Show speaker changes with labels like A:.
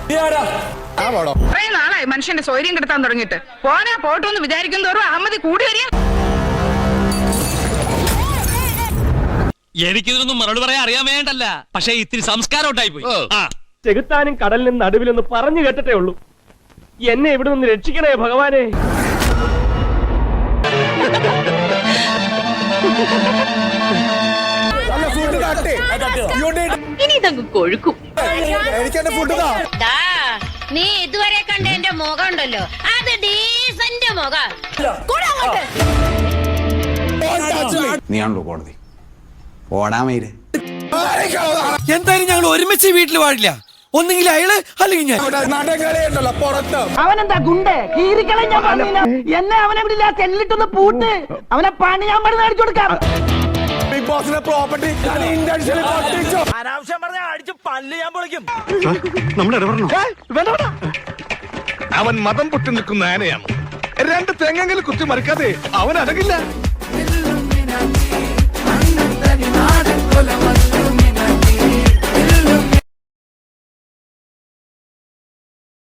A: കുറെ നാളായി മനുഷ്യന്റെ സ്വൈര്യം കിടത്താൻ തുടങ്ങിയിട്ട് പോനാ പോട്ടോന്ന് വിചാരിക്കും തോറും അഹമ്മതി കൂടി വരിക.
B: എനിക്കിതൊന്നും മറുപടി പറയാൻ അറിയാൻ വേണ്ടല്ല, പക്ഷെ ഇത്തിരി സംസ്കാരം ഉണ്ടായി പോയി.
C: ചെകുത്താനും കടലിനും നടുവിലൊന്ന് പറഞ്ഞു കേട്ടിട്ടേ ഉള്ളൂ. എന്നെ ഇവിടെ നിന്ന് രക്ഷിക്കണേ ഭഗവാനെ.
D: ഇനി ഇതങ്ങ് കൊഴുക്കും.
E: നീ ഇതുവരെ കണ്ട എന്റെ മുഖം ഉണ്ടല്ലോ, അത് ഡീസന്റ് മുഖം.
F: നീയാണല്ലോ കോടതി. ഓടാമേര്
G: എന്തായാലും ഞങ്ങൾ ഒരുമിച്ച് വീട്ടിൽ പാടില്ല. ഒന്നെങ്കിൽ അയാള് അല്ലെങ്കിൽ ഞാൻ.
H: അവനെന്താ ഗുണ്ടേ കീറിക്കളെ ഞാൻ പറഞ്ഞില്ല. എന്നെ അവനെ വിടില്ല, ചെല്ലിട്ടൊന്ന് പൂട്ട് അവനെ പണി ഞാൻ പറഞ്ഞ് കാണിച്ചു കൊടുക്കാം.
F: ബിഗ് ബോസിന്റെ പ്രോപ്പർട്ടി
C: അനാവശ്യം പറഞ്ഞ അടിച്ച് പല്ല് ഞാൻ പൊളിക്കും.
I: അവൻ മതം പൊട്ടി നിൽക്കുന്ന ആനയാണ്. രണ്ട് തെങ്ങെങ്കിലും കുത്തി മറിക്കാതെ അവൻ അടങ്ങില്ല.